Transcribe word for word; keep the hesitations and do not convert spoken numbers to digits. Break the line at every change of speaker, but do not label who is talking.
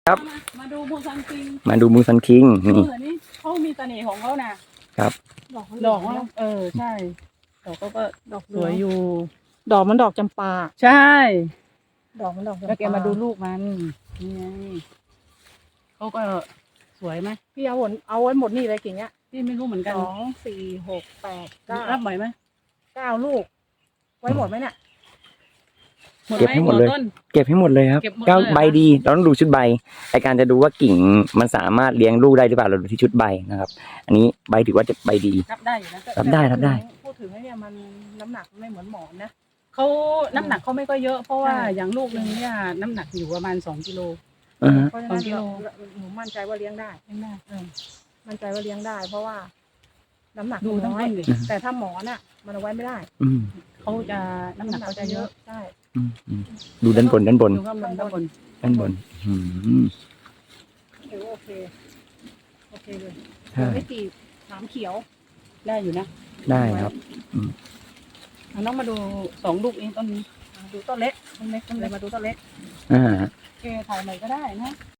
ครับ
มาดูมูซันคิง
มาดูมูซันคิง
เอ
นี่
อนี่เขามีเสน่ห์ของเขานะครับ
ดอก
ดอกเขาเออใช่ดอกเขาก็
ดอก
สวยอยู่
ดอกมันดอกจำปา
ใช่
ดอกมันดอกจำปา
แล้วแกมาดูลูกมันนี่ไงเขาก็สวยไหม
พี่เอาหมดเอาไว้หมดนี่เลยกิ่งเนี้ย
พี่ไม่รู้เหมือนกัน
สองสี่หกแปดเก้า
รับไหวไหม
เก้าลูก ไว้หมดไหมเนี่ย
หมด
เก็บ
ไหม
ให้หมดเลย
ต้น
เก็บให้หมดเลยครับ
เก็บหมดเลย
เก้า
เหรอ
ใบดีเราต้องดูชุดใบในการจะดูว่ากิ่งมันสามารถเลี้ยงลูกได้หรือเปล่าเราดูที่ชุดใบนะครับ อันนี้ใบถือว่าจะใบดี
รับได้อยู่นะ
รับได้รับได้
พูดถึงไอ้เนี่ยมันน้ำหนักไม่เหมือนหมอนนะ
เขาน้ำหนักเขาไม่ก็เยอะเพราะว่า
ใช่
อย่างลูกหนึ่งเนี่ยน้ำหนักอยู่ประมาณสองกิโล
อ่าฮะ
เพราะฉะนั้น
สองกิโล
เราหนูมั่นใจว่าเลี้ยงได้
เลี้ยงได้
เออมั่นใจว่าเลี้ยงได้ เพราะว่า น้ำหนัก
ดูทั้ง
น้อย
ต้นดิ
แต่ถ้าหมอนอ่ะ มันเอาไว้ไม่ได้
อืม
เขาจะน้ำหนักเขาจะเยอะ
ใช่
อืมอืมดูด้านบนด้านบน
ดูข้างบนข้างบน
ด้านบนอืม
ถือว่าโอเค โอเคเลย
ใช่
ไม่ตีบหามเขียว
ได้อยู่นะ
ได้ครับ
เอาน้องมาดูสองลูกเองต้นนี้
อ่ะดูต้นเล็ก
ต้นเล็กต้น
เล
เล็
ย
ก
มาดูต้นเล็ก
อ่า
โอเคถ่ายใหม่ก็ได้นะ